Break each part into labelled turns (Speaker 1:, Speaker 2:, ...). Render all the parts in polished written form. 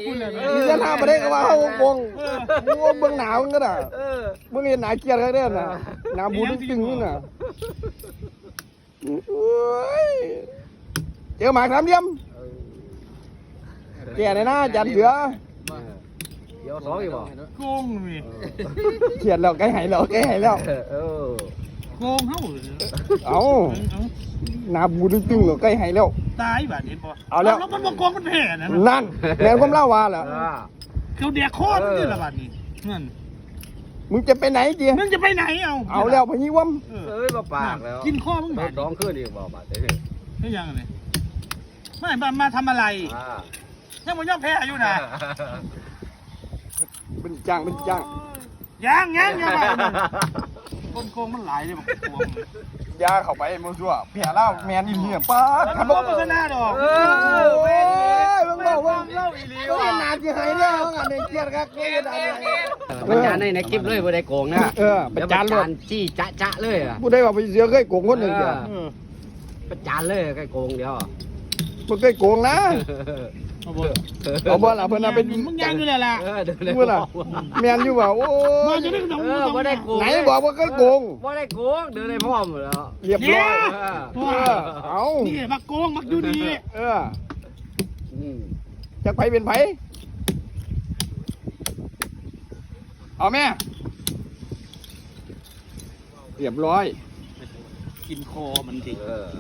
Speaker 1: มีจะหน้าประเด็นก็ว่าเขาวงมึงว่าเบื้องหนาวก็ได้มึงเห็นหนาเกียร์ก็ได้น่ะหนาบูดตึงนี่น่ะเจอหมากน้ำเยี่ยมแก่ในหน้าจันเสือ
Speaker 2: เดี๋ยวสองอีกบ่
Speaker 3: โกงมี
Speaker 1: เขียนแล้วใกล้หายแล้วใกล้หายแล้ว
Speaker 3: โกงเฮ้า
Speaker 1: เอาหนาบูดตึงแล้วใกล้หายแล้ว
Speaker 3: ตายบาดเห็นป่ะ
Speaker 1: เอาแล้ว
Speaker 3: มันบอกโกงมันแพ้
Speaker 1: นั่นแม่ผมเล่าว่าเหรอ
Speaker 3: เขาเดียโคตรนี่ละบาดนี้นั่น
Speaker 1: มึงจะไปไหนเจีย
Speaker 3: มึงจะไปไหน
Speaker 1: เอาแล้วพญิวัม
Speaker 2: มาปากแล้ว
Speaker 3: กินข้อมึงบาด
Speaker 2: สองขึ้นอีกบ่บาด
Speaker 3: นี่ยังไงไม่มาทำอะไรยังมันย่อมแพ้อยู่นะ
Speaker 1: เป็นจ้าง
Speaker 3: ยังโกงมันหลายเลยบอก
Speaker 1: ยาเข้าไปมัวซัวแผลเล่าแมนอีเหี้ยป้า
Speaker 3: ขันบอกมันก็น่าดอก
Speaker 1: มึงบอกว่าเล่าอีเลี้ยวนานที่หายแล้วงานในเกียร์ครับนี่ได้
Speaker 2: ประจานในคลิปเลยบ่ได้โกงนะ
Speaker 1: ประจานเลย
Speaker 2: จี้จ๊ะเลย
Speaker 1: ผู้ใดว่าไปเสือเคยโกงคนหนึ่งเดียว
Speaker 2: ประจานเลยใกล้โกงเดียว
Speaker 1: มันเคยโกงนะเอาบ่ล่ะเพิ่นน่ะเป็น
Speaker 3: มึงยังอยู่เลยล่ะ
Speaker 1: มึงล่ะแมนอยู่ว่าโอ้
Speaker 3: มาจะได้ขนม
Speaker 2: บ่ได้โกง
Speaker 1: ไหนบอกว่าเคยโกง
Speaker 2: บ่ได้โกงเดินได้พร้อมแล้ว
Speaker 1: เรียบร้อยเอา
Speaker 3: นี่มาโกงมาดูดี
Speaker 1: จะไผเป็นไผเอาแม่เรียบร้อย
Speaker 3: กินคอมันดิ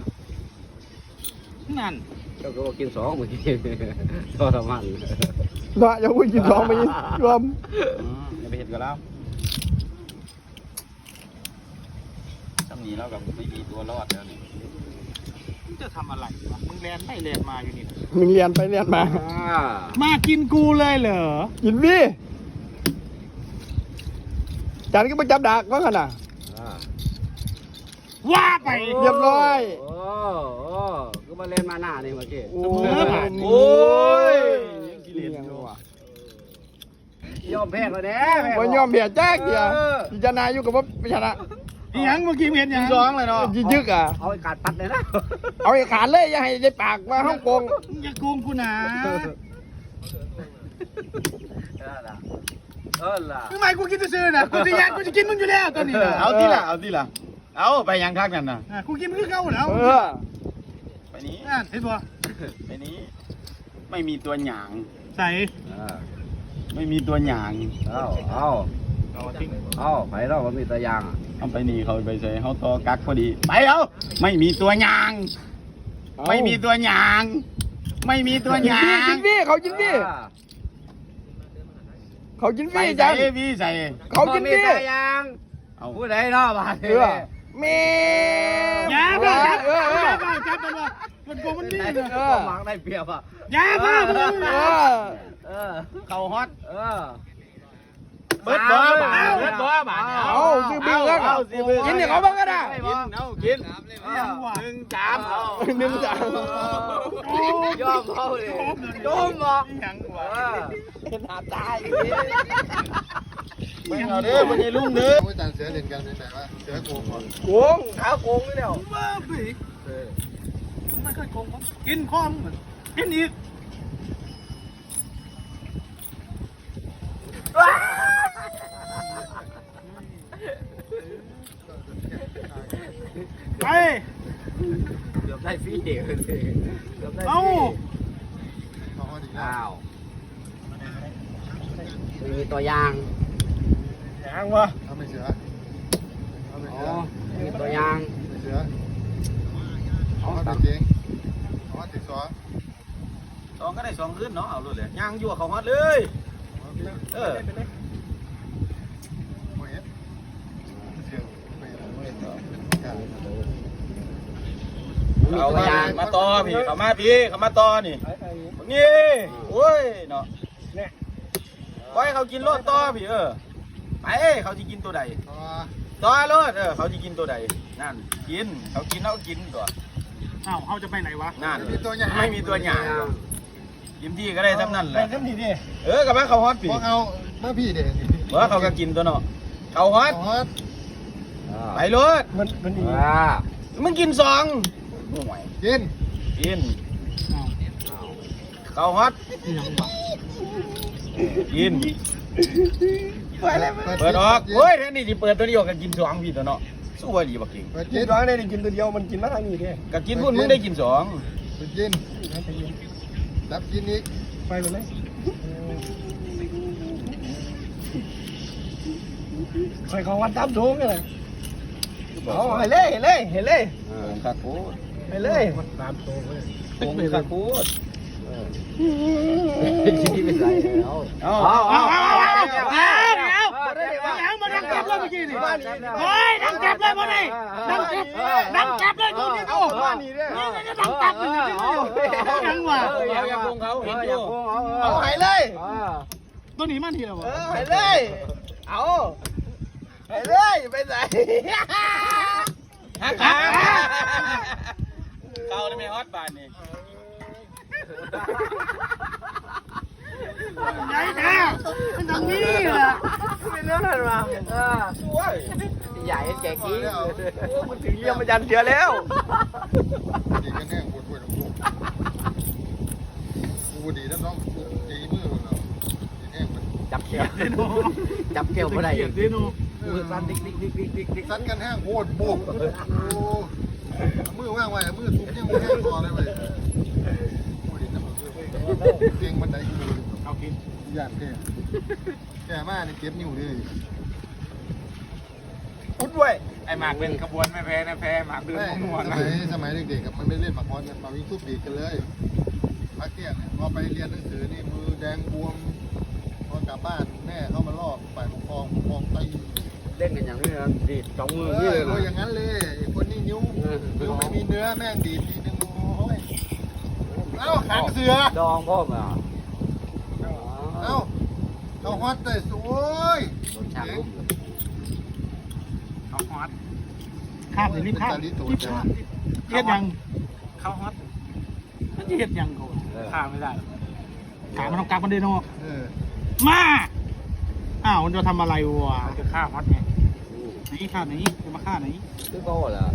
Speaker 3: นั่น
Speaker 2: ก็กินสองเมื่อกี้ทรมาน
Speaker 1: น่ะอย่าพูดกินสองไปรวม
Speaker 4: อย่าไปเห็นกันแล้วทำนี้แล้วกับไม่มีตัวรอดแล้วนี่
Speaker 3: มึงจะทำอะไรวะมึงแลนไปแลนมาอยู่นี่
Speaker 1: มึงเรียนไปเรียนมา
Speaker 3: มากินกูเลยเหรอ
Speaker 1: กินพี่จานก็ไปจับดักว่าขนาด
Speaker 3: ว่าไป
Speaker 1: เรียบร้อย
Speaker 2: ก็มาเล่นมาหน้านี่เมื่อกี้
Speaker 1: โอ้ย
Speaker 2: ยอมแพ้แล้วแน่
Speaker 1: ว่ายอมแพ้แจ๊กเดียวพิจารณาอยู่กับว่าพิจารณา
Speaker 3: ยังเมื่อกี้เห็นยัง
Speaker 4: สองเลยเนาะ
Speaker 1: ยึก
Speaker 2: เอาไอ้ขาดปัดเลยนะ
Speaker 1: เอาไอ้ขาดเลยอย่าให้ได้ปากว่าฮ่องกง
Speaker 3: อย่าโกงกูนะทำไมกูกินซื่อๆนะกูจะยันกูจะกินมึงอยู่แล้วตอนนี้
Speaker 4: เอาที่ละเอาไปยังทักนั่นนะ
Speaker 3: กูกินมึงคือเก่าแล้ว
Speaker 4: ไปนี้
Speaker 3: เห็นป่ะ
Speaker 4: ไปนี้ไม่มีตัวหยาง
Speaker 3: ใส่
Speaker 4: ไม่มีตัวหยาง
Speaker 2: เอาไปแล้วมันมีตัวยาง
Speaker 4: เอาไปนี่เขาไปใส่เขาตัวกักพอดีไปเอาไม่มีตัวหยางไม่มีตัวหยางไม่มีตัวหยาง
Speaker 1: กินพี่เขากินพี่เขากินพี่
Speaker 4: จังพี่ใส่
Speaker 1: เขากินพี่
Speaker 2: ยางผู้ใดเนาะบ้าน
Speaker 1: แม่
Speaker 3: ยาบ้าจับมันว่ามันโกงมันนี่เลย
Speaker 2: หมักได้เปรียบอ่ะ
Speaker 3: ยาบ้า
Speaker 4: เขาฮอต
Speaker 3: เบิดบ่บ่
Speaker 1: เอาซื้อบิ้งแล้วกินเนี่ยเขาบ้างก็ได้
Speaker 4: กิน1 3เอา
Speaker 1: 1 3
Speaker 2: ยอมเขาเลยโดมบ่
Speaker 3: ยังหัว
Speaker 1: เห็นหาตาย
Speaker 4: ไม่เอาเด้อไม่ใช่ลุงเด้อ
Speaker 5: ไม่ต่างเสือเล่นกันแต่ว่าเสือโกงก่อน
Speaker 1: โกงขาโกงนี่เดียว
Speaker 3: ไม่เคยโกงกินข้อมกินอีกไป
Speaker 2: เกือบได้ฟรีเดียว
Speaker 3: เอา
Speaker 2: มีตัวยาง
Speaker 4: วะ
Speaker 5: เอาไม่เสือ
Speaker 2: มีตัวยาง
Speaker 5: เสือเอาตัดเองเอาติด2
Speaker 4: ก็ได้2ขึ้นเนาะเอาเลยยางยั่วเขาฮอตเลยเอามาต่อพี่เขามาต่อนี่โอ้ยเนาะไว้เขากินโลดต่อพี่ไปเขาจะกินตัวใดต่อโลดเขาจะกินตัวใดนั่นกินเขากินตัว
Speaker 3: เขาจะไปไหนวะ
Speaker 4: นั่นไม่มีตัวหยางกินที่ก็ได้ทั้งนั้นแหละ
Speaker 3: เต็มที่ดิ
Speaker 4: กับว่าเขาฮอตปี
Speaker 5: เอาเมื่อพี่เด็ก
Speaker 4: ว่าเขาก็กินตัวเนาะเขาฮอตไปรถ
Speaker 1: มันดี
Speaker 4: มึงกิน
Speaker 5: กิน
Speaker 4: เขาฮอตกิน
Speaker 1: ไปเลย
Speaker 4: เปิดออกเฮ้ยแทนนี่ที่เปิดตัวนี้ออกก็กินสองพี่ตัวเนาะสู้ว่าดีบักกิง
Speaker 5: เปิด
Speaker 1: กิ
Speaker 5: กิ
Speaker 1: น
Speaker 5: น
Speaker 1: ร้อยได้กินตัวเดียวมันกินมาทางนี้เด้
Speaker 4: ก็กินพุ่นมึงได้กินสอง
Speaker 5: เปิดกินดับกินอีก
Speaker 1: ไปไปเลยคอยของวันตั้มสูงเลยเอาให้เลยให้เลยให้เลย
Speaker 4: คาคูด
Speaker 1: ให้เลย
Speaker 2: ตามโตเลย
Speaker 4: โอ้คาคูด
Speaker 2: ที่ไม่ใส่แล้ว
Speaker 3: เอามาดังเก็บเลยเมื่อกี้นี่เฮ้ยดังเก็บเลยมาดิดังเก็บเลยดูนี่ดู
Speaker 1: บ้านนี้เด้
Speaker 3: นี่จะดังตับเลยยังวะ
Speaker 4: เอาอย่าโกงเขาเห็นอยู่
Speaker 1: เอาให้เลย
Speaker 3: ตัวนี้มันทีละวะ
Speaker 1: ให้เลยเอาให้เลยไปใส่
Speaker 4: ฮักขาเขาได้ไม่ฮอตบานนี่
Speaker 3: ใหญ่แท้มันตรงนี้แหละ
Speaker 2: เป็นเรื่องอะไรมา
Speaker 1: ช่วย
Speaker 2: ใหญ่แก่กี้
Speaker 1: มันถึงเยี่ยมมันยันเสือแล้ว
Speaker 5: ดีกันแน่ปวดปวดของกูดีแล้วน้องตีมือเราดีแน่มัน
Speaker 2: จับเกี่ยวจับเกี่ยวไม่ได้
Speaker 3: เกียดดิโน
Speaker 2: มือสั่นดิ๊กดิ๊กดิ๊กดิ๊กดิ๊กดิ๊ก
Speaker 5: สั้นกันแห้งโคตรโบกมือว่างไว้มือทุบยังไม่แห้งคอเลยเว้ยเตียงบันไดกู
Speaker 3: เอากิน
Speaker 5: ย่านแก่มากนี่เก็บนิ้วเลย
Speaker 1: พุดไว้
Speaker 3: ไอ้หมากเป็นขบวนไม่แพ้นะแพ้หมากเดินมั่วนะ
Speaker 5: สมัยเด็กๆมันไม่เล่นหมากฮอนกันมาวิ่งทุบดีกันเลยพักเที่ยงเนี่ยพอไปเรียนหนังสือนี่มือแดงบวมพอกลับบ้านแม่เข้ามาลอกฝ่ายปกครองตี
Speaker 2: เล่นกันอย่างนี้นะดีดสองมือ
Speaker 5: เอ
Speaker 2: นี่
Speaker 5: อ
Speaker 2: เลย
Speaker 5: โด
Speaker 2: นะ
Speaker 5: ยอย่างนั้นเลยคนนี้นิ้วไม่มีเนื้อแม่งดีดทีนึงโอ้ยเอ้าหางเสือ
Speaker 2: ดองพ่อมา
Speaker 5: เอ้าเอาฮอตแต่สวย
Speaker 2: โดนฉากลุก
Speaker 3: เขาฮอตข้ามเลยรีบข้ามเฮ็ดยังเขาฮอตมันจะเฮ็ดยังกูข้ามไม่ได้ถามมันต้องกลับมันเดโน มาอ้าวมันจะทำอะไรวะจะฆ่าฮอตไงไหนฆ่าไหนจะมาฆ่าไหน
Speaker 2: คือโก้เหรอ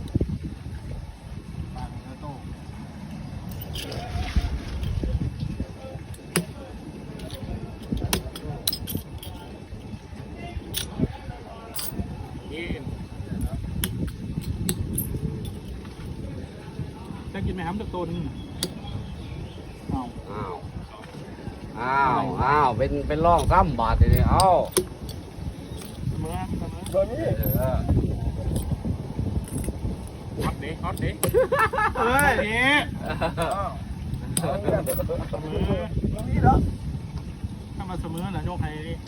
Speaker 3: จะกินไหมครับตัวนึงเอา
Speaker 2: อ้าวเป็นร่องซ้ำบาดเลยเอ้า
Speaker 3: เสมอ
Speaker 1: ตัวนี้
Speaker 3: ฮอตเด็กเฮ้ยนี่เสมอ
Speaker 1: นี่เหรอ
Speaker 3: ถ้ามาเสมอน่ะโยกให้ดิ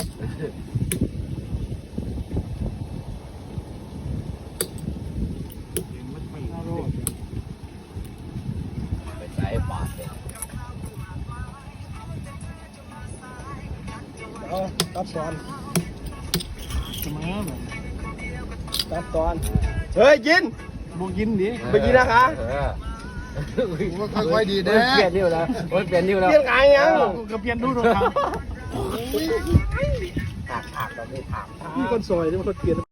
Speaker 3: เอาลูก
Speaker 2: ไปใส่บาดเลย
Speaker 1: เอาตัดก่อน
Speaker 3: เสมอแบบ
Speaker 1: ตัดก่อนเฮ้ยกิน
Speaker 3: บวกยินดิ
Speaker 1: ไปกินนะคะ
Speaker 5: ค่อยๆดี
Speaker 2: เป
Speaker 5: นะ
Speaker 2: ลี่ยนนิ้วแล้วเปลี่ยนนิ้วแล้ว
Speaker 1: เปลี่ยนไงยัง
Speaker 3: ก็เปลี่ยนดูดูทาง
Speaker 2: ถากตอนนี้ถาก
Speaker 1: มีคนซอยที่มันคนเปลี่ยน